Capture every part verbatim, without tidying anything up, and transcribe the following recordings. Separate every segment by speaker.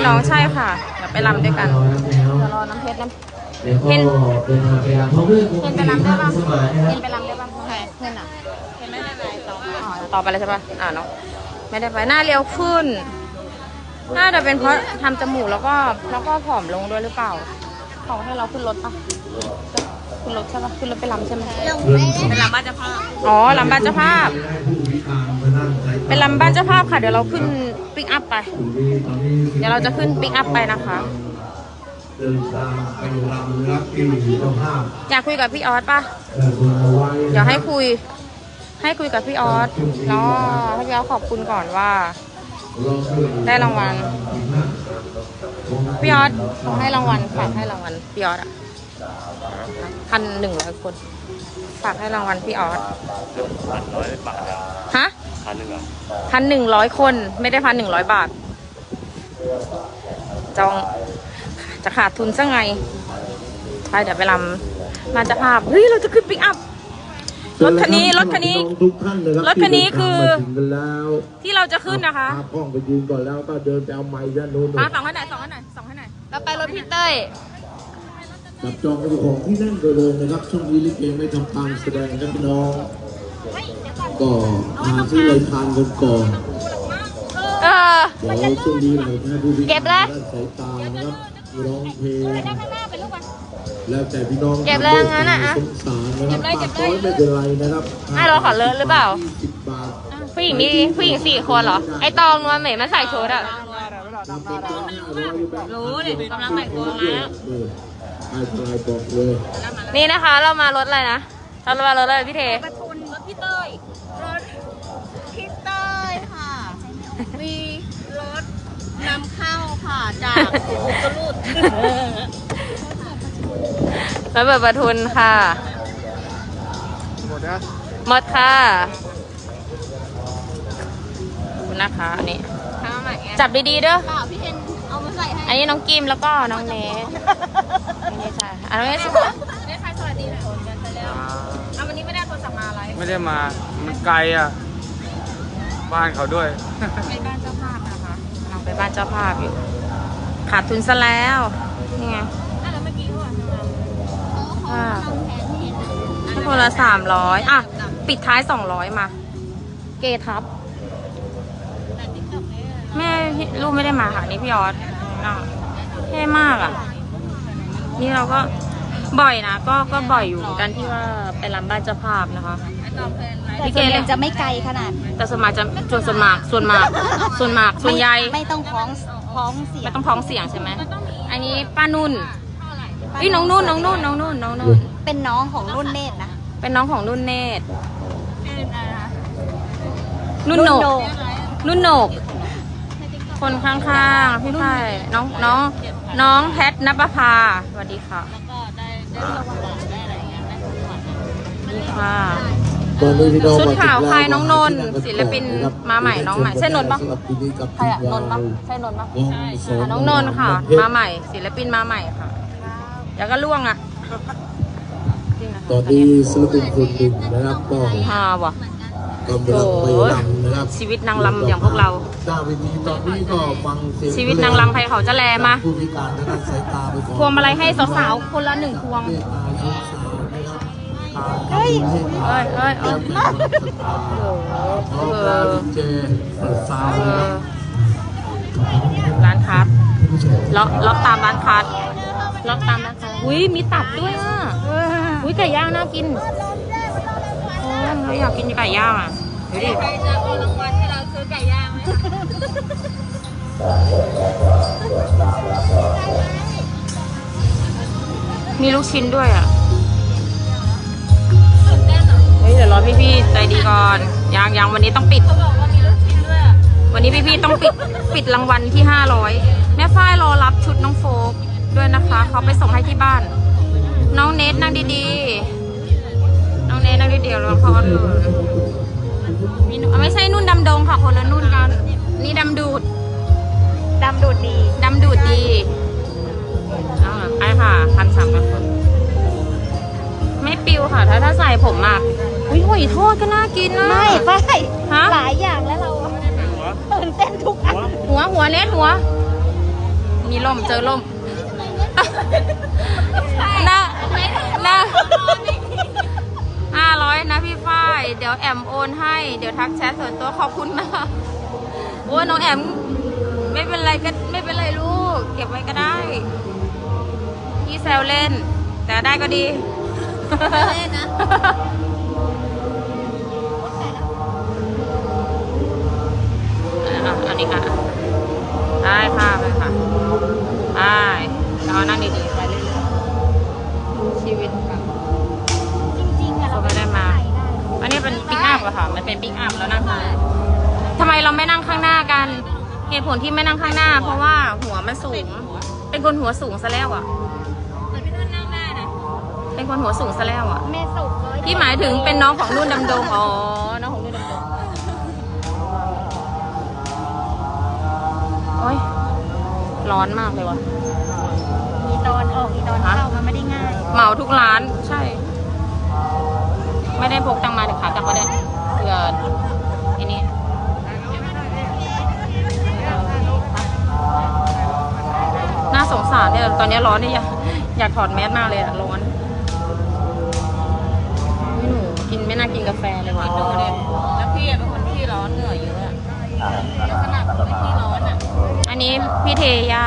Speaker 1: น้องใช่ค่ะเดี๋ยวไปรำด้วยกันเดี๋ยวรอน้ำเพชรน้ำเห็นเห็นไปรำได้ป่ะเห็นไปรำได้ป่ะใช่เห็นอ่ะเห็นไม่ได้ไปต่ออ๋อต่อไปเลยใช่ป่ะอ่าน้องไม่ได้ไปหน้าเรียวขึ้นน่าจะเป็นเพราะทำจมูกแล้วก็แล้วก็ผอมลงด้วยหรือเปล่าเขาให้เราขึ้นรถป่ะขึ้นรถใช่ป่ะขึ้นรถไปรำใช่ไหมเป็นรำบ้านเจ้าภาพอ๋อรำบ้านเจ้าภาพเป็นรำบ้านเจ้าภาพค่ะเดี๋ยวเราขึ้นปิกอัพไปเดี๋ยวเราจะขึ้นปิกอัพไปนะคะอยากคุยกับพี่ออสป่ะเดี๋ยวให้คุยให้คุยกับพี่ออสเนาะให้พี่ออสขอบคุณก่อนว่าได้รางวัลพี่ออสเขาให้รางวัลฝากให้รางวัลพี่ออสอ่ะพันหนึ่งร้อยคนฝากให้รางวัลพี่ออส
Speaker 2: พันร้อยบาท
Speaker 1: ฮะ
Speaker 2: พันหนึ่งอ่ะ
Speaker 1: พันหนึ่งร้อยคนไม่ได้พันหนึ่งร้อยบาทจองจะขาดทุนซะไงไปเดี๋ยวไปรำมาจะภาพเฮ้ยเราจะขึ้นปิกอัพรถคันนี้รถคันนี้รถคันนี้คือที่เราจะขึ้นนะคะ
Speaker 3: กล้องไปยืนก่อนแล้วก็เดินไปเอาไม้ด้านโน้น
Speaker 1: มาสองให้ไหนสองให้ไหนสองให้ไหนเราไปรถพี่เต้ย
Speaker 3: จับจองเป็นของที่นั่นโดยรวมนะครับช่วงนี้ลิเกไม่ทำการแสดงครับพี่น้องก็หาที่เลยทานกันก่อน
Speaker 1: เออ
Speaker 3: เดี๋ยวช่วงนี้เราให้ผู้พิการด้านสายตานะครับร้องเพลงแล้วแต่พี่น้อง
Speaker 1: เก็บเลยงั้นนะ
Speaker 3: สงสารนะครับปากน้อยไม่เป็นไรนะครับ
Speaker 1: ให้เราขอเลิศหรือเปล่า
Speaker 3: สิบบาท
Speaker 1: ผู้หญิงมีผู้หญิงสี่คนเหรอไอตองนวลเหมยมาใส่ชุดอ่ะรู้ดิกำลังแต่งตัวแล้วนี่นะคะเรามารถอะไรนะเรามารถอะไรพี่เท
Speaker 4: ประทุนรถพี่เต้ยรถพี่เต้ยค่ะมีรถนำเข้าค่ะจากอุตรุด
Speaker 1: รถเปิดประทุนค่ะหมดนะหมดค่ะคุณนะคะนี่จับดีๆเด้อ
Speaker 4: พี่เอ็นเอามาใส่ให้
Speaker 1: อันนี้น้องกิมแล้วก็น้องเนสไม่ใช่อันนี้
Speaker 4: เ
Speaker 1: น
Speaker 4: นสใครสวัสดีหน่อยกันไปแล้วเอาวันนี้ไม่ได้โทรศัพท์มาอะไร
Speaker 2: ไม่ได้มามันไกลอ่ะบ้านเขาด้วย
Speaker 1: ไปบ้านเจ้าภาพนะคะเราไปบ้านเจ้าภาพอยู่ขาดทุนซะแล้วนี่ไง
Speaker 4: แล้วเมื่อกี้ว่า
Speaker 1: ถ้าคนละสามร้อยอ่ะปิดท้ายสองร้อยมาเกทับแม่ลูกไม่ได้มาค่ะนี่พี่ออสเท่มากอ่ะนี่เราก็บ่อยนะก็ก็บ่อยอยู่กันที่ว่าไปรำบ้านเจ้าภาพนะคะ
Speaker 4: พี่เกเลยจะไม่ไกลขนาด
Speaker 1: แต่ส่วนมากจะส่วนส่วนมากส่วนมากส่วนมากส่วนใหญ่
Speaker 4: ไม่ต้องพ้องพ้องเสียง
Speaker 1: ไม่ต้องพ้องเสียงใช่ไหมอันนี้ป้านุ่นพี่น้องนุ่นน้องนุ่นน้องนุ่นน้องนุ่น
Speaker 4: เป็นน้องของนุ่นเนตรนะ
Speaker 1: เป็นน้องของนุ่นเนตรนุ่นโหนกนุ่นโหนกคนข้างๆพี่ไผ่น้องน้องน้องแพทณปภาสวัสดีค่ะนี่ค่ะชุดขาวใครน้องนนท์ศิลปินมาใหม่น้องใหม่ใช่นนท์ปะใครอะนนท์ปะใช่นนท์ปะน้องนนท์ค่ะมาใหม่ศิลปินมาใหม่ค่ะแล้วก็ล่วงอ่ะ
Speaker 3: ตอนนี้ศิลปินคนหนึ่งนะครับก็
Speaker 1: ฮาวะ
Speaker 3: กำลังไปรำนะครับ
Speaker 1: ชีวิตนางรำอย่างพวกเรา
Speaker 3: หน้าเวทีตอนนี้ก็ฟังเสียง
Speaker 1: ชีวิตนางรำใครเขาจะแลมา
Speaker 3: ผู้พิการด้านสายตาไปก่อน
Speaker 1: พวงมาลัยให้สาวๆคนละหนึ่งพวงเฮ้ยเฮ้ยเฮ้ยเออเออร้านคัสล็อกล็อกตามร้านคัสล็อกตามร้านคัสอุ้ยมีตับด้วยอ่ะอุ้ยไก่ย่างน่ากินโอ้ยอยากกินไก่ย่างอ่ะเดี๋ยวดิ
Speaker 4: ใครจะเอารางวัลให้เราซื้อไก่ย่างไหม
Speaker 1: มีลูกชิ้นด้วยอ่ะเฮ้ยเดี๋ยวรอพี่ๆใจดีก่อนยังยังวันนี้ต้องปิดวันนี้พี่ๆต้องปิดปิดรางวัลที่ห้าร้อยแม่ฝ้ายรอรับชุดน้องโฟกด้วยนะคะเขาไปส่งให้ที่บ้านน้องเนทนั่งดีๆน้องเนทนั่งดีๆแล้วเขาไม่ใช่นุ่นดำดงค่ะคนละนุ่นกันนี่ดำดูด
Speaker 4: ดำดูดดี
Speaker 1: ดำดูดดีเอาไอ้ค่ะพันสามร้อยคนไม่ปิวค่ะถ้าถ้าใส่ผมมากอุ้ยหอยทอดก็น่ากินนะ
Speaker 4: ไม่ไม่
Speaker 1: ฮะ
Speaker 4: หลายอย่างแล้วเราตื่นเต้นทุกอัน
Speaker 1: หัวหัวเน็ตหัวล่มเจอล่มนะนะห้าร้อยนะพี่ฝ้ายเดี๋ยวแอมโอนให้เดี๋ยวทักแชทส่วนตัวขอบคุณนะโอ้น้องแอมไม่เป็นไรก็ไม่เป็นไรลูกเก็บไว้ก็ได้พี่แซวเล่นแต่ได้ก็ดี
Speaker 4: เล่นนะ
Speaker 1: อันนี้ค่ะได้ค่ะไปค่ะได้เรานั่งดีๆไปเรื่อยๆชีวิตค่ะ
Speaker 4: จริงๆอะเรา
Speaker 1: ไม่ได้มาอันนี้เป็นปิ๊กอัพอะค่ะมันเป็นปิ๊กอัพแล้วนั่งข้างทำไมเราไม่นั่งข้างหน้ากันเหตุผลที่ไม่นั่งข้างหน้าเพราะว่าหัวมันสูงเป็นคนหัวสูงซะแล้วอะเป็นคนหัวสูงซะแล้วอะ
Speaker 4: แม่สุก
Speaker 1: ที่หมายถึงเป็นน้องของนุ่นดำดงอ๋อน้องของนุ่นดำดงโอ๊ยร้อนมากเลยว่ะ
Speaker 4: อีตอนออกอีตอนเข้ามันไม่ได้ง่าย
Speaker 1: เหมาทุกร้านใช่ไม่ได้พกตังมาเดี๋ยวขากลับมาได้เผื่อไอ้นี่น่าสงสารเนี่ยตอนนี้ร้อนเนี่ยอยากอยากถอดแมสมากเลยอะร้อนไม่หนูกินไม่น่ากินกาแฟเลยว่ะดูเลยแล้วพี่เป็นคนที่ร้อนเหนื่อยเยอะขนาดไม่ที่ร้อนอ่ะอันนี้พี่เทย่า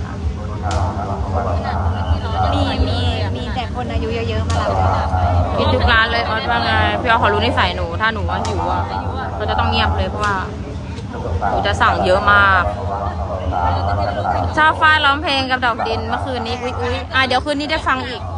Speaker 4: มีมีมีแต่คนอายุเยอะๆมารับ
Speaker 1: กินทุกร้านเลยออสว่าไงพี่ออสขอรู้นิสัยหนูถ้าหนูว่าหิวอ่ะเราจะต้องเงียบเลยเพราะว่าหนูจะสั่งเยอะมากชอบฟ้าร้องเพลงกับดอกดินเมื่อคืนนี้อุ้ยอุ้ยอ่ะเดี๋ยวคืนนี้ได้ฟังอีก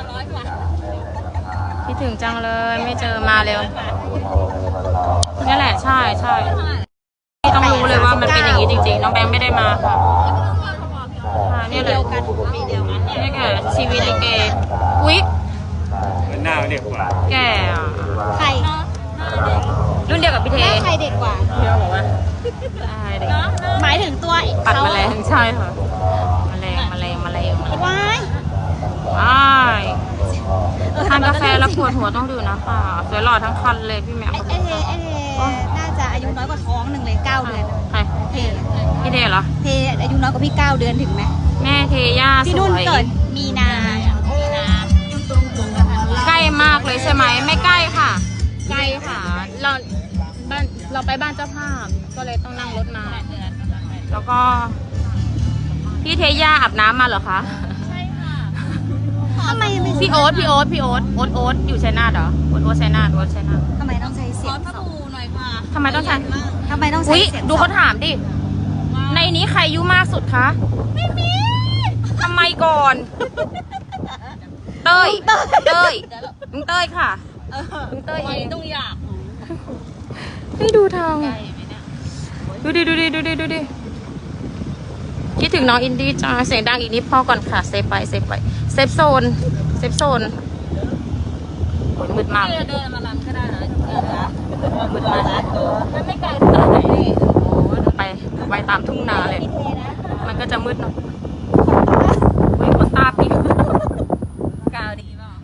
Speaker 1: คิดถึงจังเลยไม่เจอมาเร็วนี่แหละใช่ใช่พี่ต้องรู้เลยว่ามันเป็นอย่างนี้จริงๆน้องแบงค์ไม่ได้มาค่ะนี่เลยนี่แกชีวิตลิเกอุ๊ย
Speaker 2: หน้าเด็กกว่า
Speaker 1: แก
Speaker 4: ใคร
Speaker 1: รุ่นเดียวกับพี่เท
Speaker 4: ใครเด็กกว่า
Speaker 1: พี่บอกว่า
Speaker 4: หมายถึงตัว
Speaker 1: ปัดแมลงใช่ค่ะแมลงแมลงแมลง
Speaker 4: ว้าย
Speaker 1: ว้ายทานกาแฟแล้วปวดหัวต้องดื่มนะค่ะสวยหล่อทั้งคันเลยพี่แม่
Speaker 4: เอเอเอน่าจะอายุน้อยกว่าท้องหนึ่งเลยเก้าเดือน
Speaker 1: ใคร
Speaker 4: เท
Speaker 1: พี่เทเหรอ
Speaker 4: เทอายุน้อยกว่าพี่เก้าเดือนถึงไหม
Speaker 1: แม่เทย่าสวย
Speaker 4: พี่นุ่นเกิดมีนามีนา
Speaker 1: ใกล้มากเลยใช่ไหมไม่ใกล้ค่ะใกล้ค่ะเราบ้านเราไปบ้านเจ้าภาพก็เลยต้องนั่งรถมาแล้วก็พี่เทย่าอาบน้ำมาเหรอคะ
Speaker 4: ใช่ค่ะทำไม
Speaker 1: พี่โอ๊ตพี่โอ๊ตพี่โอ๊ตโอ๊ตโอ๊ตอยู่ชัยนาทเหรอโอ๊ตโอ๊ตชัยนาทโอ๊ตชัยนาท
Speaker 4: ทำไมต้องใช้เสียงสองหน่อยค่ะ
Speaker 1: ทำไมต้องใช้
Speaker 4: ทำไมต้องใช้เสียง
Speaker 1: ดูเขาถามดิในนี้ใครอายุมากสุดคะ
Speaker 4: ไม่มี
Speaker 1: ทำไมก่อนเต้ยเต้ยลุงเต้ยค่ะลุงเต้ยเอง
Speaker 4: ต้องอยาก
Speaker 1: ให้ดูทางดูดิดูดิดูดิดูดิคิดถึงน้องอินดี้จ้าเสียงดังอีกนิดพอก่อนค่ะเซฟไปเซฟไปเซฟโซนเซฟโซนโอ้ยมืดมาก
Speaker 4: เดินมาลำก็ได้นะ
Speaker 1: มืดมาก
Speaker 4: ไม่ไกลเท่าไหร่นี่
Speaker 1: ไปไปตามทุ่งนาเลยมันก็จะมืดเนาะเฮ้ยคนตาปิ๊ก
Speaker 4: กาวดีป่ะ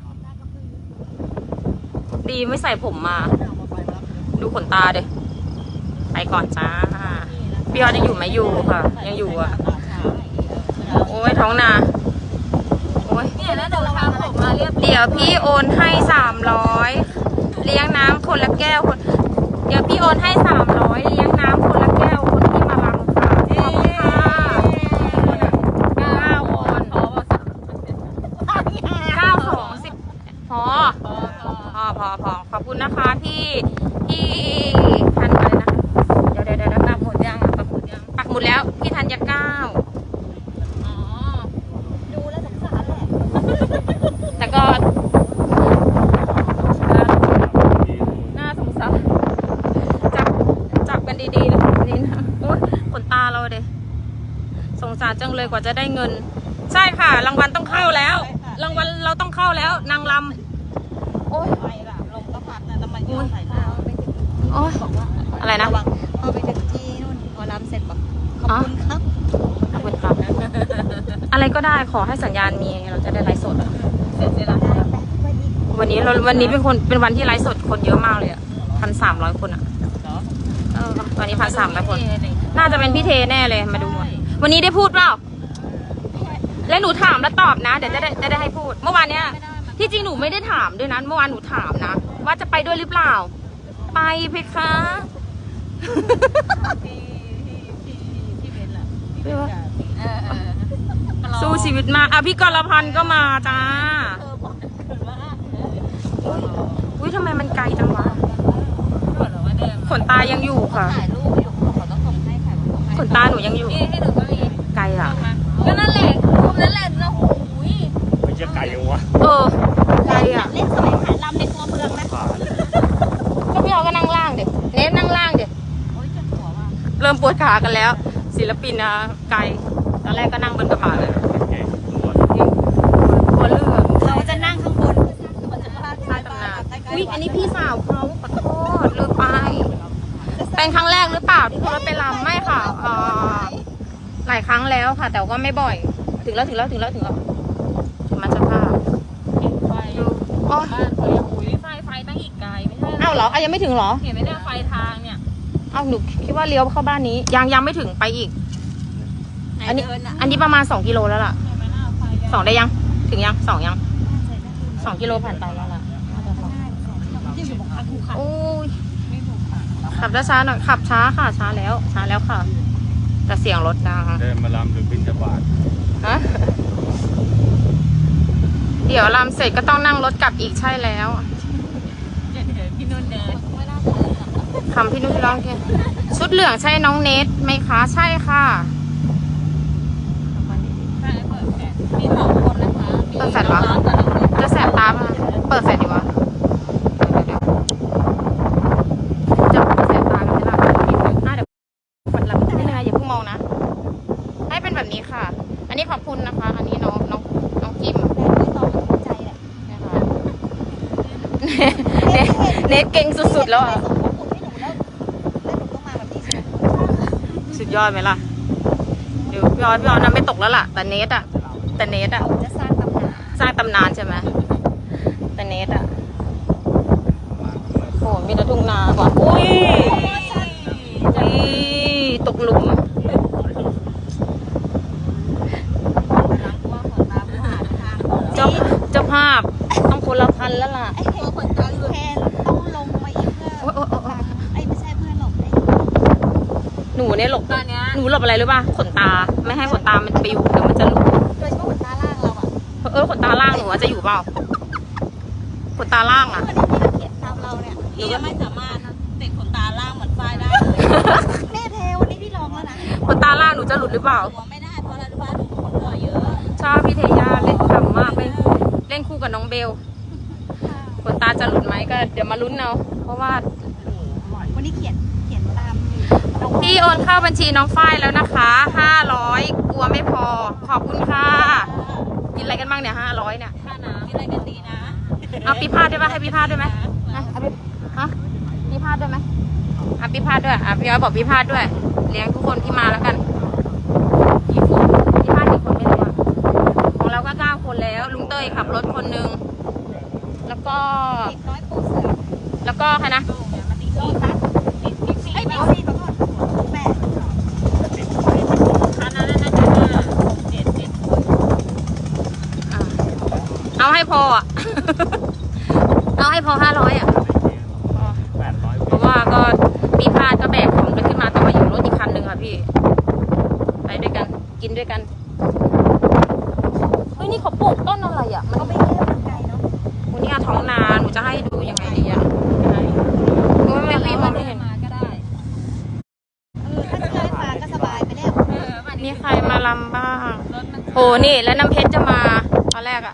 Speaker 1: ดีไม่ใส่ผมมาดูขนตาเด้ไปก่อนจ้าพี่ออสยังอยู่ไหมอยู่ค่ะยังอยู่อ่ะโอ้ยท้องนาโอ้ย
Speaker 4: เนี่ยแล้วเดี๋ยวเราทำผมมาเรียบ
Speaker 1: เดี๋ยวพี่โอนให้สามร้อยเลี้ยงน้ำคนละแก้วคนเดี๋ยวพี่โอนให้สามร้อยเลี้ยงน้ำคนละแก้วคนที่มาลำค่ะขอบคุณค่ะเก้าคนเก้าสองสิบพอพอพอพอขอบคุณนะคะที่ที่ทันอะไรนะเดี๋ยวเดี๋ยวเดี๋ยวปักหมุดยังปักหมุดยังปักหมุดแล้วพี่ธัญเก้า
Speaker 4: อ๋อดูแล้วสงสารแหละ
Speaker 1: แต่ก็น่าสงสารจับจับกันดีๆนะนี่นะโอ๊ยขนตาเราเด็สงสารจังเลยกว่าจะได้เงินใช่ค่ะรางวัลต้องเข้าแล้วรางวัลเราต้องเข้าแล้วนางลำโอ๊ย
Speaker 4: ไปล่ะลงก็พัดนะทำไมโยนใส่หน้าไปถึง
Speaker 1: โอ๊ยอะไรนะ
Speaker 4: เอาไปถึงที่นู่นพอลำเสร็จบอกขอบคุณครับ
Speaker 1: ขอบคุณครับอะไรก็ได้ขอให้สัญญาณมีเราจะได้ไลฟ์สดเสร็จแล้ววันนี้เราวันนี้เป็นคนเป็นวันที่ไลฟ์สดคนเยอะมากเลยอ่ะพันสามร้อยคนอ่ะเออตอนนี้พันสามร้อยคนน่าจะเป็นพี่เทแน่เลยมาดูวันนี้ได้พูดเปล่าแล้วหนูถามแล้วตอบนะ เดี๋ยวจะได้จะได้ให้พูด เมื่อวานเนี้ยที่จริงหนูไม่ได้ถามด้วยนะเมื่อวานหนูถามนะว่าจะไปด้วยหรือเปล่า ไปเพคะ สู้ชีวิตมากอ่ะพี่กรพันธ์ก็มาจ้าอุ้ยทำไมมันไกลจังวะขนตายังอยู่ค่ะขนตาหนูยังอยู่ไกลอ่ะ
Speaker 4: ก็นั่นแหละรูปนั่นแหละนะโอ้ย
Speaker 2: ไม่ใช่ไก่ยังวะ
Speaker 1: เออไกลอ่ะ
Speaker 4: เล่นสมัยถ่ายลำในตัวเมืองนะ
Speaker 1: ก็พี่เอาก็นั่งล่างเด็กเนสนั่งล่างเด็ก
Speaker 4: โอ้ยเจ็บหัวว่ะ
Speaker 1: เริ่มปวดขากันแล้ว ศิลปินนะไกลตอนแรกก็นั่งบนกระบะเลยกลัวเรื่อง
Speaker 4: เราจะนั่งข้างบนมันจะพา
Speaker 1: ใต้ตำนานอุ้ยอันนี้พี่สาวเขาขอโทษลืมไปเป็นครั้งแรกหรือเปล่าที่เขาไปรำไม่ค่ะเอ่อหลายครั้งแล้วค่ะ แต่ก็ไม่บ่อย ถึงแล้วถึงแล้วถึงแล้วถึงแล้วถึงมันจะภาพอ๋อ
Speaker 4: อุ้ยไฟไฟตั้งอีกไกลไม่ใช่
Speaker 1: เอ้าเหรออ่ะยังไม่ถึงเหรอ
Speaker 4: เห็นไหมเนี่ยไฟทางเนี่ย
Speaker 1: เอ้าหนูคิดว่าเลี้ยวเข้าบ้านนี้ ยังยังไม่ถึงไปอีก อันนี้ อันนี้ประมาณสองกิโลแล้วล่ะสองได้ยังถึงยังสองยังสองกิโลผ่านไปแล้วล่ะโอ้ยขับช้าๆหน่อยขับช้าค่ะช้าแล้วช้าแล้วค่ะแต่เสียงรถดัง
Speaker 2: เดินมาลำหรือบินจะบาท
Speaker 1: ฮะเดี๋ยวลำเสร็จก็ต้องนั่งรถกลับอีกใช่แล้ว
Speaker 4: พี่นุ่นเดิน
Speaker 1: คำพี่นุ่นร้องแค่ชุดเหลืองใช่น้องเนทไหมคะใช่ค่ะ
Speaker 4: ใช่เปิดแฟลชมีสองคนนะคะ
Speaker 1: เปิดแฟลชเหรอ จะแสบตาป่ะเปิดแฟลชดีวะเดี๋ยวๆจะแสบตากันไหมล่ะอ่ะเดี๋ยวกดรับนิดนึงนะอย่าเพิ่งมองนะ ให้เป็นแบบนี้ค่ะ อันนี้ขอบคุณนะคะ อันนี้น้องน้องน้องกิม
Speaker 4: ใจแหละ
Speaker 1: นะคะเนทเนทเก่งสุดๆแล้วอ่ะ สุดยอดไหมล่ะ เดี๋ยวพี่ออสพี่ออสนั้นไม่ตกแล้วล่ะ แต่เนทอ่ะ แต่เนทอ่ะ
Speaker 4: จะสร้างตำนาน
Speaker 1: สร้างตำนานใช่ไหมแต่เนทอ่ะโอ้มีแต่ทุ่งนากว่าอุ้ยนี่ตกหลุม เจ้าเจ้าภาพต้องคนละพันแล้วล่ะ
Speaker 4: ไอ้เห็นขนตาแทนต้องลงมาอีกเพื่อ
Speaker 1: โอ๊ยโอ๊ยโอ๊ยโอ๊ย
Speaker 4: ไอ้ไม่ใช่เพื่อนหลบไอ้
Speaker 1: หนูเนี่ยหลบ
Speaker 4: ตอนเนี้ย
Speaker 1: หนูหลบอะไรรู้ป่ะขนตาไม่ให้ขนตามันปิวเดี๋ยวมันจะหลุด
Speaker 4: โดยเฉพาะขนตาล่างเราอ่ะ
Speaker 1: เออขนตาล่างหนูอะจะอยู่เปล่าขนตาล่างอ่ะ
Speaker 4: วันนี้พี่เขียนตามเราเนี่ยพี่ยังไม่สามารถติดขนตาล่างเหมือนฝ้ายได้เลยแม่เทวันนี้พี่ลองแล้วนะ
Speaker 1: ขนตาล่างหนูจะหลุดหรือเปล่า
Speaker 4: หัวไม่ได้เพราะอะไรรู้ป่ะขนหัวเยอะ
Speaker 1: ชอบพี่เทยาเล่นขำมากเล่นเล่นคู่กับน้องเบลขนตาจะหลุดไหมก็เดี๋ยวมาลุ้นเอาเพราะว่า
Speaker 4: วันนี้เขียนเขียนตามน้อง
Speaker 1: พี่โอนเข้าบัญชีน้องฝ้ายแล้วนะคะห้าร้อยกลัวไม่พอขอบคุณค่ะกินอะไรกันบ้างเนี่ยห้าร้อยเนี่ย
Speaker 4: ค่าน้ำมีอะไรกันดีนะ
Speaker 1: เอาปีพาดด้วยป่ะให้ปีพาดด้วยไหมอ่ะเอาปีฮะปีพาดด้วยไหมอ่ะปีพาดด้วยอ่ะพี่อ้อยบอกปีพาดด้วยเลี้ยงทุกคนที่มาแล้วกันกี่คนปีพาดกี่คนไม่รู้อ่ะของเราก็เก้าคนแล้วลุงเต้ยขับรถคนนึงแล้วก็
Speaker 4: ติดน้อยปูเสือ
Speaker 1: แล้วก็ใครนะ
Speaker 4: มาติดโลตัสติดบิ๊กซีไอ้บิ๊กซีขอโทษแม่ค่าน้ำน่าจะเจ็ดเจ็ด
Speaker 1: อ่ะเอาให้พออ่ะ เอาให้พอห้าร้อยอ่ะ
Speaker 2: แปดร้อย
Speaker 1: เพราะว่าก็ปีพาดก็แบกของกันขึ้นมาแต่ว่าอยู่รถอีกคันหนึ่งค่ะพี่ ไปด้วยกันกินด้วยกันเฮ้ยนี่เขาปลูกต้นอะไรอ่ะ มัน
Speaker 4: ก็ไม่เยอะมันไกลเนาะ
Speaker 1: วันนี้ท้องนาหนูจะให้ดูยังไงดีอ่ะโอ้ยไม่รีบมองไม่เห็น
Speaker 4: มาก็ได้เออถ้าจะได้มาก็สบายไปแล้วเออวันนี้
Speaker 1: มีใครมาลำบ้าง
Speaker 4: รถมัน
Speaker 1: โหนี่แล้วน้ำเพชรจะมาตอนแรกอ่ะ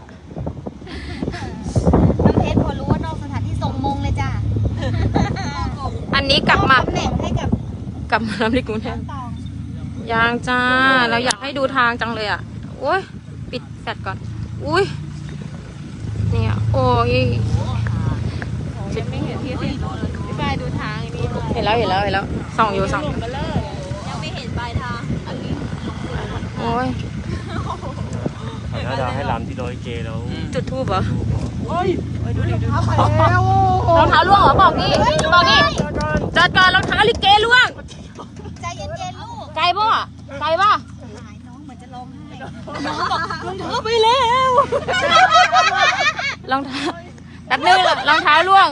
Speaker 4: น้ำเพชรพอรู้ว่านอกสถานที่ส่งมงเลยจ้ะ
Speaker 1: อันนี้กลับมา
Speaker 4: ตำแหน่งให้กับ
Speaker 1: กลับมาลำที่กรุงเทพ
Speaker 4: ตอง
Speaker 1: ยังจ้า เราอยากให้ดูทางจังเลยอ่ะโอ้ยปิดแฟลชก่อน อุ้ยเนี่ยโอ้ย
Speaker 4: ยังไม่เห็นที่สิพี่บายดูทางนี้
Speaker 1: เห็นแล้วเห็นแล้วเห็นแล้วส่องอยู่ส่อง
Speaker 4: ยังไม่เห็นปลายทางอันนี้
Speaker 1: โอ้ย
Speaker 2: ถ้าจะให้ลำที่ร้อยเกแล้ว
Speaker 1: จุดทูบเหรอ
Speaker 4: เอาไปแล้ว
Speaker 1: รองเท้าล่วงเหรอบอกดิบอกดิจอดก่อนรองเท้าลิเกล่วง
Speaker 4: ใจเย็นๆลูก
Speaker 1: ไกลป่ะไกลป่ะ
Speaker 4: หายน้องเหมือนจะร้องไห้น้องบอกรองเท้าไปแล้ว
Speaker 1: รองเท้าแป๊บนึงรองเท้าล่วง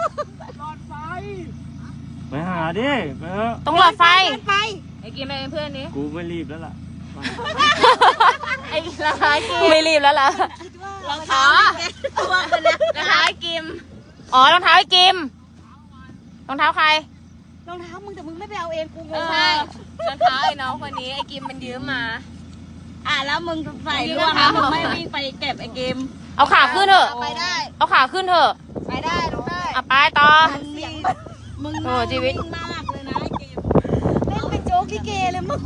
Speaker 2: ไปหาดิไปเถอะ
Speaker 1: ต้องหลอดไฟ
Speaker 4: ไป
Speaker 1: ไอ้กินไปเป็นเพื่อนนี้
Speaker 2: กูไม่รีบแล้วล่ะ
Speaker 1: ไอ้รองเท้ากิมไม่รีบแล้วล่ะ
Speaker 4: รองเท้าตัวกันนะ
Speaker 1: รองเท้าไอ้กิมอ๋อรองเท้าไอ้กิมรองเท้าใคร
Speaker 4: รองเท้ามึงแต่มึงไม่ไปเอาเองกูงง
Speaker 1: ใช่รองเท้าไอ้น้องคนนี้ไอ้กิมมันยืมมา
Speaker 4: อ่ะแล้วมึงใส่ร่วงมึงไม่วิ่งไปเก็บไอ้เกม
Speaker 1: เอาขาขึ้นเถอะ
Speaker 4: ไปได้
Speaker 1: เอาขาขึ้นเถอะ
Speaker 4: ไปได้ลงได้
Speaker 1: อ่ะไปต่อ
Speaker 4: มึงนี่มึง
Speaker 1: โอ้ชีวิต
Speaker 4: มากเลยนะไอ้เกมเล่นเป็นโจ๊กลิเกเลยมึง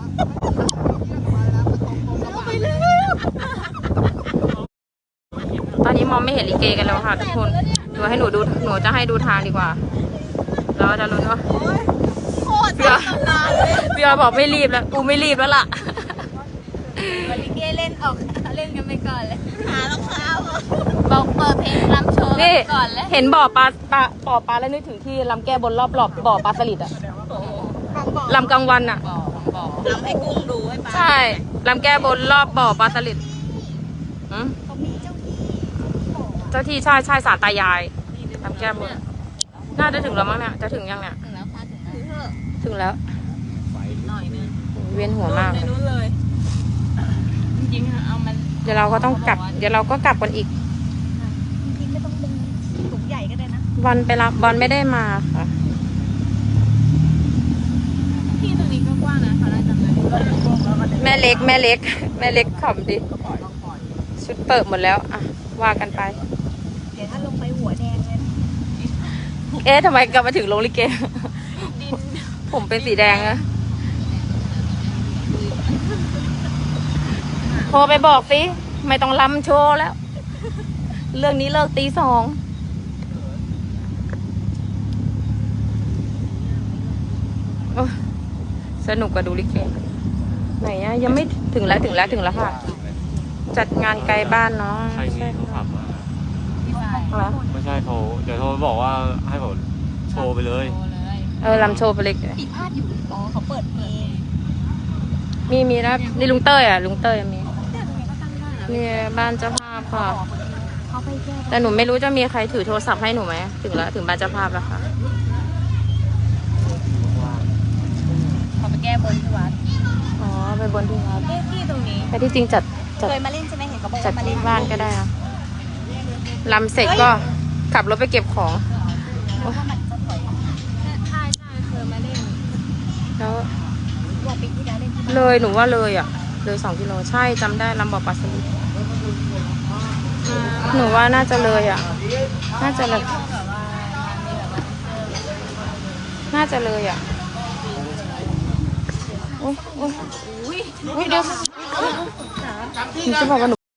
Speaker 4: เอาไปเลย
Speaker 1: ตอนนี้มองไม่เห็นลิเกกันแล้วค่ะทุกคนดูให้หนูดูหนูจะให้ดูทางดีกว่าเราจะรู้ว่า
Speaker 4: โคตรจะตำนานเลย
Speaker 1: พี่ออยบอกไม่รีบแล้วกูไม่รีบแล้วล่ะ
Speaker 4: วันลิเกเล่นออกเล่นกันไปก่อนเลยหารองเท้า
Speaker 1: บอกเปิดเพลงรำโชว์
Speaker 4: นี่ก่อนแล้ว
Speaker 1: เห็นบ่อปลาปลาบ่อปลาแล้วนึกถึงที่ลำแก้บนรอบรอบบ่อปลาสลิดอะลำกลางวันอะ
Speaker 4: ทำให้กุ้งดูให้ปลา
Speaker 1: ใช่ลำแก้บนรอบบ่อปลาสลิดอืม
Speaker 4: เขามีเจ้าที่
Speaker 1: เจ้าที่ใช่ใช่สารตายายลำแก้บนน่าจะถึงแล้วมั้งเนี่ยจะถึงยังเนี่ย
Speaker 4: ถึงแล้วค่ะถึงแล้ว
Speaker 1: ถึงแล้ว
Speaker 4: หน่อยนึง
Speaker 1: เวียนหัวมาก
Speaker 4: ใน
Speaker 1: เลย
Speaker 4: นู้นเลยจริงๆเอามัน
Speaker 1: เดี๋ยวเราก็ต้องกลับ เดี๋ยวเราก็กลับกันอีก
Speaker 4: จริงๆไม่ต้องดึงถุงใหญ่ก็ได้นะ
Speaker 1: วันไปรับบอลไม่ได้มาค่ะ
Speaker 4: ที่ตรงนี้ก็กว้างนะเขาได้จำได้
Speaker 1: แม่เล็กแม่เล็ก แม่เล็กขำดิชุดเปิดหมดแล้วอ่ะว่ากันไป
Speaker 4: เดี๋ยวถ้าลงไปหัวแดงเลยนะ
Speaker 1: เอ๊ะทำไมกลับมาถึงโรงลิเก ผมเป็นสีแดงอะโทรไปบอกสิไม่ต้องลำโชว์แล้ว เรื่องนี้เลิกตีสองโอ้ยสนุกกว่าดูลิเกไหนอะยังไม่ถึงแล้วถึงแล้วถึงแล้วค่ะ จัดงานไกลบ้านเนาะ
Speaker 2: ใครมีโทรศัพท์มา
Speaker 1: เหรอ
Speaker 2: ไม่ใช่โทรเดี๋ยวโทรไปบอกว่าให้ผมโชว์ไปเลย
Speaker 1: เออลำโชว์ไปเลย
Speaker 4: ปีพาดอยู่อ๋อเขาเปิดเพลง
Speaker 1: มีมีนะนี่ลุงเต้ยอ่ะลุงเต้ยมีนี่บ้านเจ้าภาพค่ะ
Speaker 4: เขาไปแก้
Speaker 1: แต่หนูไม่รู้จะมีใครถือโทรศัพท์ให้หนูไหมถึงแล้วถึงบ้านเจ้าภาพแล้วค่ะ
Speaker 4: เขาไปแก้บนที่วัด
Speaker 1: อ๋อไปบนที่วัด
Speaker 4: เอ๊ะที่ตรงนี้
Speaker 1: แต่ที่จริงจัดจัด
Speaker 4: เคยมาเล่นใช่ไหมเห็นเขาบอก
Speaker 1: จัด
Speaker 4: ว่ามาเล่
Speaker 1: ที่
Speaker 4: น
Speaker 1: บ้านก็ได้นะลำเสร็จก็ขับรถไปเก็บของ
Speaker 4: แล้วก็มันจะถอยใช่ใช่เคยมาเล่น
Speaker 1: แล้ว
Speaker 4: ว่าปีที่แล้วเล่นที่บ้าน
Speaker 1: เลยหนูว่าเลยอ่ะเลยสองกิโลใช่จำได้ลำบ่อปลาสลิดหนูว่าน่าจะเลยอ่ะ น่าจะเลยน่าจะเลยอ่ะโอ้ยโอ้ยอุ้ยเดี๋ยวหนูจะบอกว่าหนู